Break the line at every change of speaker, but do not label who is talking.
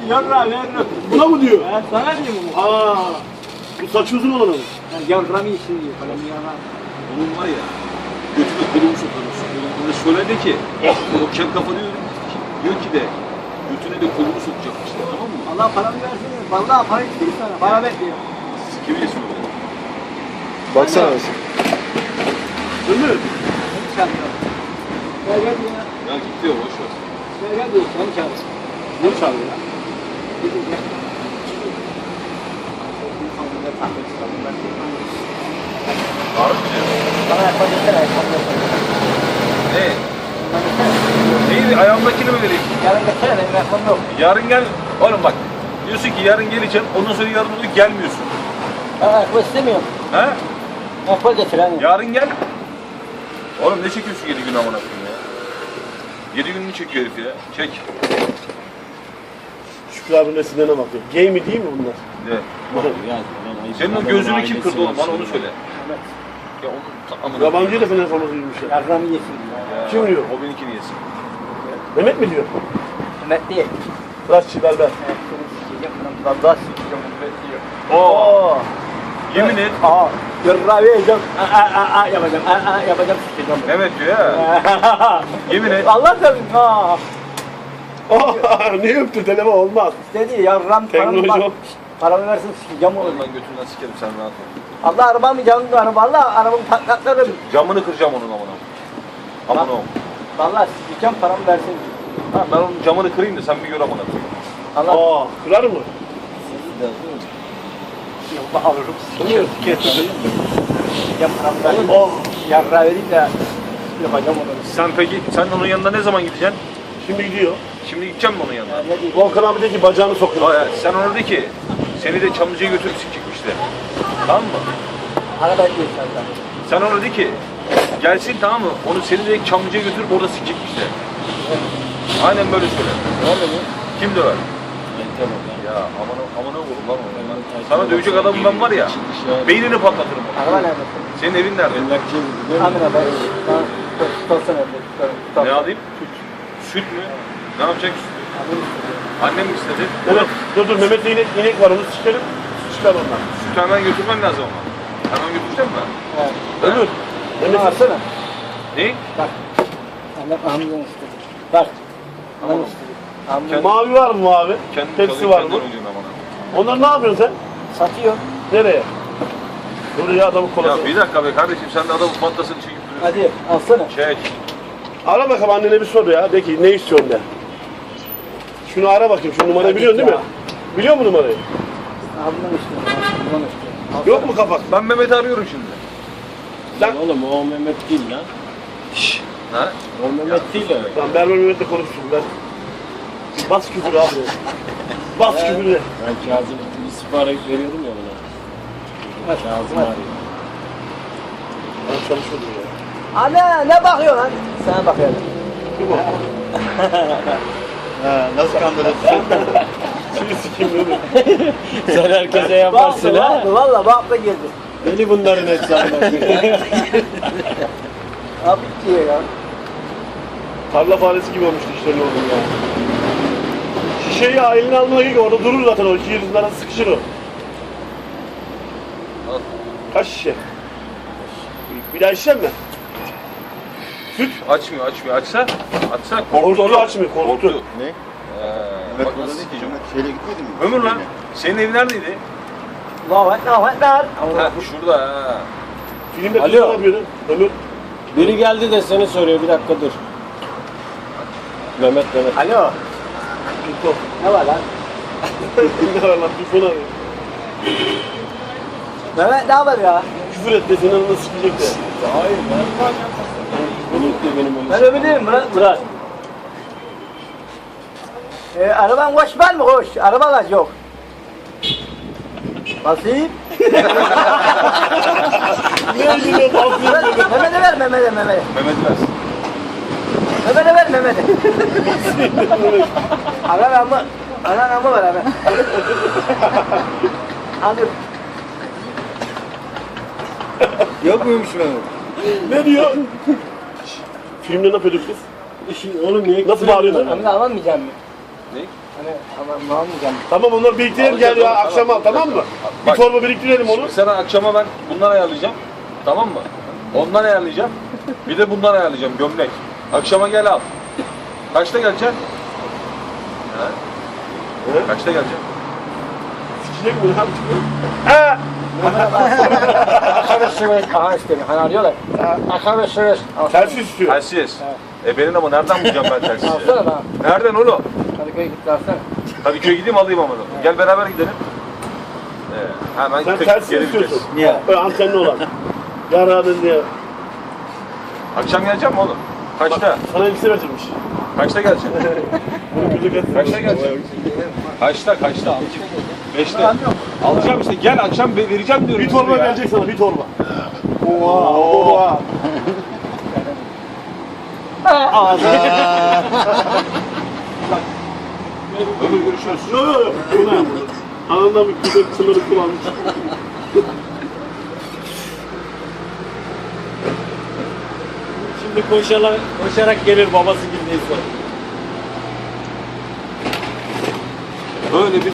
Yarra veririm.
Buna mı diyor?
Ben sana diyeyim bunu.
Aa, bu saçı uzun olan mı?
Yarra mı işin diyor falan yarra.
Onun var ya, götüne kolumu sokarım. Ona söyledi ki, o kem kafa diyor ki de, götüne de kolumu sokacakmış, tamam mı?
Allah paramı versin. Vallahi para istiyor sana. Para bekliyor.
Kim diye söyledi?
Baksana nasıl. Ömür.
Gel gel ya.
Ya git diyor, boş ver.
Gel gel diyor. Sen çağır.
Ne çağırıyor ya?
Gidin gel.
Ağrı mı diyor?
Bana yapabilirsene.
Ne? Neyi? Ayağımdakini mi vereyim?
Yarın gelsene. Benim telefonum yok.
Yarın gel. Oğlum bak, diyorsun ki yarın geleceğim, ondan sonra yarın oluyor, gelmiyorsun.
Ben ayakkabı istemiyorum.
He?
Ayakkabı getir hani.
Yarın gel. Oğlum ne çekiyorsun 7 gün amına koyayım ya? 7 gününü çekiyor herif ya. Çek.
Şükrü abinin resimlerine bakıyor. Gay mi değil mi bunlar?
Ne? Senin o gözünü kim kırdı oğlum? Bana onu söyle. Ya onu amına.
Yabancı da fener forması giymiş ya.
Yarra mı yesin?
Ya,
Kim diyor?
O benimkini yesin.
Mehmet mi diyor?
Mehmet değil.
Raşçı ver.
Vallahi sikeceğim Mehmet diyor.
Oo. Yemin et.
Aa, yarra vereceğim. Yapacağım. Yapacağım sikeceğim.
Mehmet diyor ya. Yemin et.
Allah senin. Ha.
Ne öptü telefon olmaz.
Dedi yarram
Teknoloji
paramı
yok.
paramı versin sikeceğim
Oğlum
onu.
ben götünden sikerim sen rahat ol.
Allah arabamı canlı araba. Allah arabamı patlatlarım.
Camını kıracağım onun amına. Amına ol.
Vallahi sikeceğim paramı versin.
Ha ben onun camını kırayım da sen bir gör amına.
Allah.
Aa, kırar mı?
Allah alırım.
Bunu getirdim.
Sikeceğim paramı versin.
Oh.
Yarra vereyim de yapacağım onu.
Sen peki, sen onun yanına ne zaman gideceksin?
Şimdi gidiyor.
Şimdi gideceğim mi onun yanına?
Ne diyeyim?
Volkan abi de ki bacağını sokuyor.
Hayır, sen ona de ki, seni de Çamlıca'ya götürüp sikecekmişler. Tamam mı?
Para bekliyor senden.
Sen ona de ki, gelsin tamam mı? Onu seni de Çamlıca'ya götürüp orada sikecekmişler. Aynen böyle söyle.
Ne oldu bu?
Kim döver? Ya aman oğlum lan o. Sana dövecek adamım ben var ya, beynini patlatırım onu.
Araba nerede?
Senin evin nerede?
Amına ben. Tutsana evde.
Ne alayım? Süt mü? Ne yapacak sütü? Annem mi istedi?
Evet. Dur Mehmet'te inek var onu sikerim. Çıkar ondan.
Sütü hemen götürmen lazım ama. Hemen götüreceğim mi?
Evet.
Ömür.
Bunu
Mehmet
alsana.
Ne?
Bak. Annem Hamza'nı istedi. Bak. Annem istedi. Hamza
mavi var mı mavi?
Kendin
Tepsi var mı? Onları ne yapıyorsun sen?
satıyor.
Nereye? Dur ya adamı kolası.
Ya bir dakika be kardeşim sen de adamın fantasını çekip duruyorsun.
Hadi alsana.
Çek.
Ara bakalım annene bir sor ya. De ki ne istiyorsun de. Şunu ara bakayım. Şu numarayı
Hadi
biliyorsun değil
ya.
mi? Biliyor musun numarayı?
Hamza'nı istiyor. Hamza'nı istiyor.
Yok mu kapak?
Ben Mehmet'i arıyorum şimdi.
Lan,
Oğlum o Mehmet değil lan.
Ha?
O Mehmet değil o.
lan ben Mehmet'le konuştum ben. Bas küfür abi. Bas küfürü.
Ben Kazım istihbarat veriyordum ya buna. Kazım arıyor.
Ben çalışıyordum ya.
Anne ne bakıyorsun lan? Sana bakıyorum.
Kim o?
Nasıl kandırırsın?
Seni sikeyim Mehmet.
Sen herkese yaparsın ha.
Valla bak da geldi.
Deli bunların hesabına.
Abi diyor ya.
Tarla faresi gibi olmuştu işlerin oğlum ya. Şişeyi eline almaya gibi orada durur zaten o. İki yüzün arası sıkışır o.
Al.
Kaç şişe? Bir daha içecek mi? Süt.
Açmıyor. Açsa
Korktu açmıyor, korktu.
Ne?
Bak nasıl sikeceğim.
Şeyle gitmedin mi?
Ömür lan. Senin evin neredeydi?
Allahu Ekber.
Ha şurada ha.
Filmde
Alo.
kız ne yapıyordu? Ömür.
Biri geldi de seni soruyor. Bir dakika dur. Mehmet.
Alo.
Tufo.
Ne var lan?
Ne var lan? Tufo arıyor.
Mehmet ne haber ya?
Küfür et de senin anına sikecek de.
Hayır ben. Unuttu benim öyle.
Ben öbür değilim Murat. Araban koş var mı koş? Araba kaç yok. Basayım.
Ne gülüyor bakıyor.
Mehmet'e ver Mehmet'e.
Mehmet ver.
Mehmet'e ver Mehmet'e. Anam var abi. Anladım.
Yok muymuş Mehmet?
Ne diyor? Filmde ne yapıyorduk biz?
Oğlum niye?
Nasıl bağırıyorsun?
Amına alamayacağım mı?
Ne?
Hani ama almayacağım.
Tamam onları biriktirelim gel ya akşam al tamam mı? Bir
Bak.
torba biriktirelim onu.
Şimdi sana akşama ben bundan ayarlayacağım. Tamam mı? Ondan ayarlayacağım. Bir de bundan ayarlayacağım gömlek. Akşama gel al. Kaçta geleceksin? Ha?
He?
Kaçta geleceksin?
Sikecek mi lan? He!
Akarı sıvı kaha istemiyor. Hani arıyorlar. Akarı sıvı.
Tersi istiyor.
Telsiz. Benim ama nereden bulacağım ben telsizi?
Alsana lan.
Nereden oğlum?
Kadıköy'e gitti alsana.
Kadıköy'e gideyim alayım ama. Gel beraber gidelim. Hemen
Sen
tek
tersi
geri
istiyorsun.
vites.
Niye?
Böyle antenli olan. Yararın diye.
Akşam geleceğim mi oğlum? Kaçta?
Sana elbise verirmiş.
Kaçta geleceksin? Kaçta geleceksin? Kaçta? Kaçta? 5'te. Alacağım işte. Gel akşam vereceğim diyorum.
Bir torba
ya.
gelecek sana bir torba. Oha.
Ömür görüşürüz.
Yok yok yok. Bu ne? Anında bir güzel sınırı kullanmış.
Şimdi koşarak gelir babası gibi neyse.
Böyle bir